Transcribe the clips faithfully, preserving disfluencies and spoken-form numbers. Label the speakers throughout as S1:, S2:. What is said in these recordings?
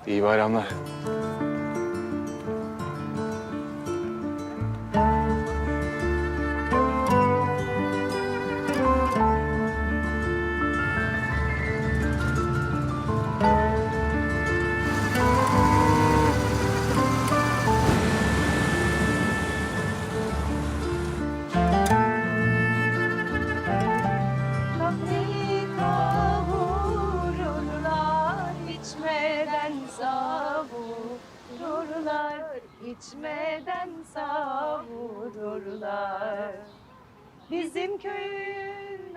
S1: İyi bayramlar.
S2: Kahveyi kavururlar, içmeden savururlar, içmeden savururlar. Bizim köyün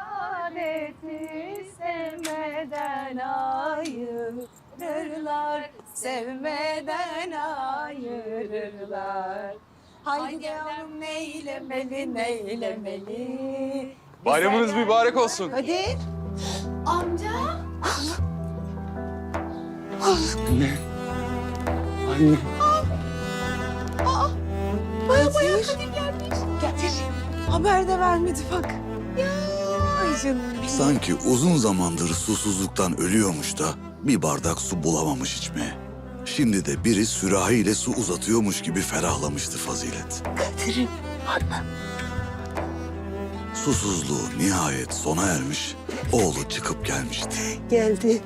S2: adeti sevmeden ayırırlar, sevmeden ayırırlar. Haydi yavrum neylemeli, neylemeli.
S1: Bayramınız mübarek olsun.
S2: Hadi.
S3: Amca.
S1: Anne. Anne.
S2: Baya baya Kadir gelmiş. Getir. Haber de vermedi bak. Ya. Ay canım benim.
S4: Sanki uzun zamandır susuzluktan ölüyormuş da bir bardak su bulamamış içmeye. Şimdi de biri sürahiyle su uzatıyormuş gibi ferahlamıştı Fazilet.
S2: Kadir'im.
S4: Susuzluğu nihayet sona ermiş, oğlu çıkıp gelmişti.
S2: Geldi.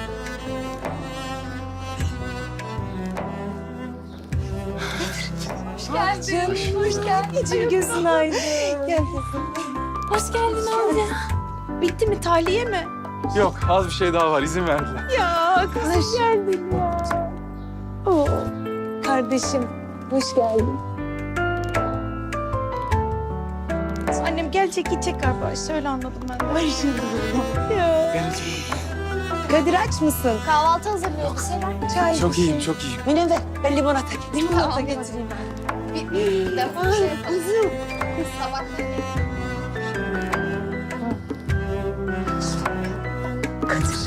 S2: Hoş geldin. Hoş geldin. Gözün aydın. Gel kızım.
S3: Hoş geldin amca. Bitti mi? Tahliye mi?
S1: Yok, az bir şey daha var. İzin verdiler.
S2: Ya hoş geldin ya. Oo. Kardeşim hoş geldin.
S3: Annem gelecek gidecek galiba. Öyle anladım ben de.
S2: Ay canım. Ya.
S1: Gel.
S2: Kadir aç mısın?
S3: Kahvaltı hazırlıyoruz. Selam.
S2: Çay.
S1: Çok iyiyim, çok iyiyim.
S2: Münevver ben limonata getireyim. Limonata
S3: Tamam,
S2: getireyim ben.
S3: Bir, bir defa şey yapalım.
S2: Kızım.
S3: Sabah
S2: Kadir.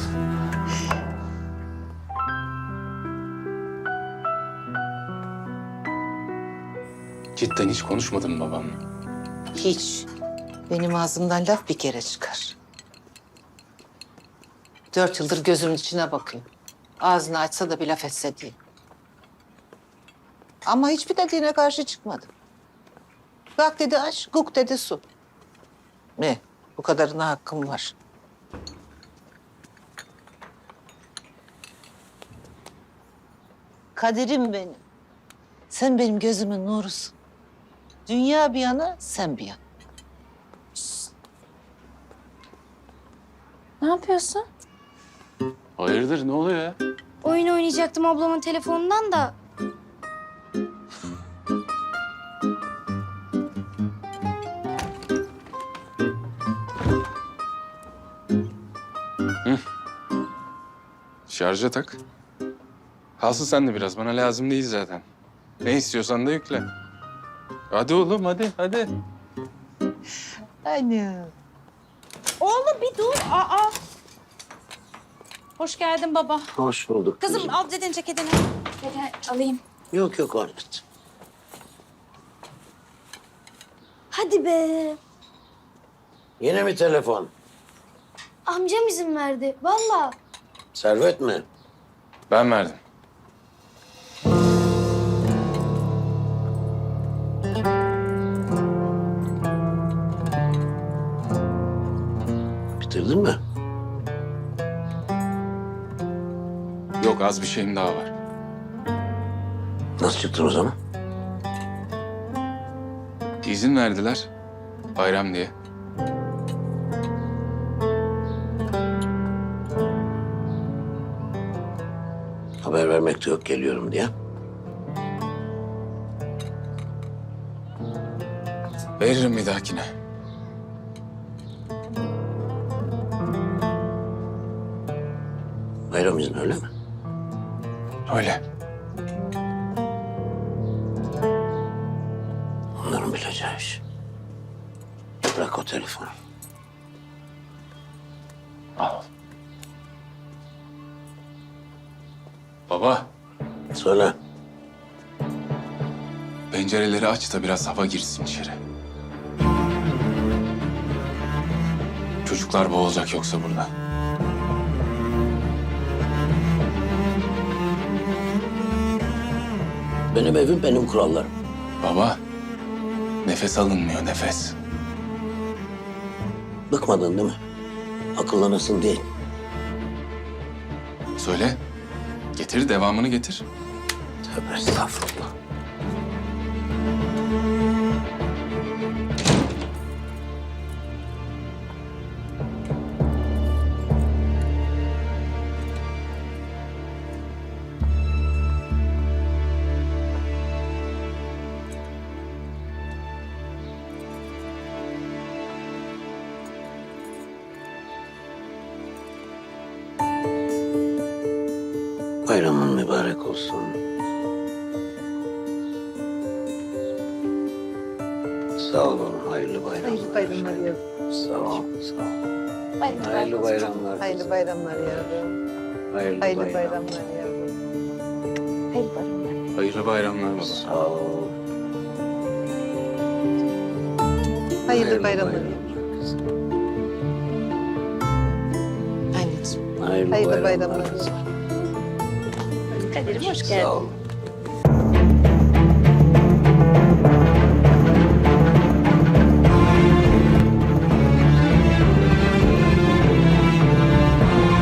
S1: Cidden hiç konuşmadın mı babamla?
S5: Hiç. Benim ağzımdan laf bir kere çıkar. Dört yıldır gözümün içine bakıyor. Ağzını açsa da bir laf etse diye. Ama hiçbir dediğine karşı çıkmadım. Bak dedi aç, guk dedi su. Ne? Bu kadarına hakkım var. Kaderim benim. Sen benim gözümün nurusun. Dünya bir yana, sen bir yana.
S3: Ne yapıyorsun?
S1: Hayırdır, ne oluyor ya?
S6: Oyun oynayacaktım ablamın telefonundan da.
S1: Şarja tak. Kalsın sen de biraz. Bana lazım değil zaten. Ne istiyorsan da yükle. Hadi oğlum, hadi, hadi.
S5: Anne.
S3: Oğlum bir dur. Aa. Hoş geldin baba.
S7: Hoş bulduk.
S3: Kızım al dedin ceketini. Hadi alayım.
S7: Yok yok Ahmet.
S6: Hadi be.
S7: Yine mi telefon?
S6: Amcam izin verdi. Vallahi.
S7: Servet mi?
S1: Ben verdim.
S7: Bitirdin mi?
S1: Yok, az bir şeyim daha var.
S7: Nasıl çıktın o zaman?
S1: İzin verdiler. Bayram diye.
S7: Haber vermek de yok geliyorum diye.
S1: Veririm bir dahakine.
S7: Bayram izni öyle mi?
S1: Öyle.
S7: Onların bileceği iş. Bırak o telefonu.
S1: Al. Baba,
S7: Söyle.
S1: pencereleri aç da biraz hava girsin içeri. Çocuklar boğulacak yoksa burada.
S7: Benim evim, benim kurallarım.
S1: Baba, nefes alınmıyor nefes.
S7: Bıkmadın değil mi? Akıllanırsın değil.
S1: Söyle. Getir, devamını getir.
S7: Tövbe estağfurullah. Bayramın mübarek olsun. Sağ olun, hayırlı bayramlar.
S5: Hayırlı bayramlar yavrum.
S7: Sağ ol, sağ ol. Hayırlı bayramlar.
S5: Hayırlı bayramlar yavrum.
S7: Hayırlı,
S5: Hayırlı
S7: bayramlar.
S5: bayramlar yavrum.
S3: Hayırlı bayramlar.
S1: Hayırlı bayramlar baba.
S7: Sağ ol.
S5: Hayırlı bayramlar yavrum.
S7: kızım.
S5: Anneciğim.
S7: Hayırlı,
S5: Hayırlı
S7: bayramlar.
S5: bayramlar.
S7: kızım.
S3: Kadir'im hoş
S7: Sağ
S3: geldin.
S7: ol.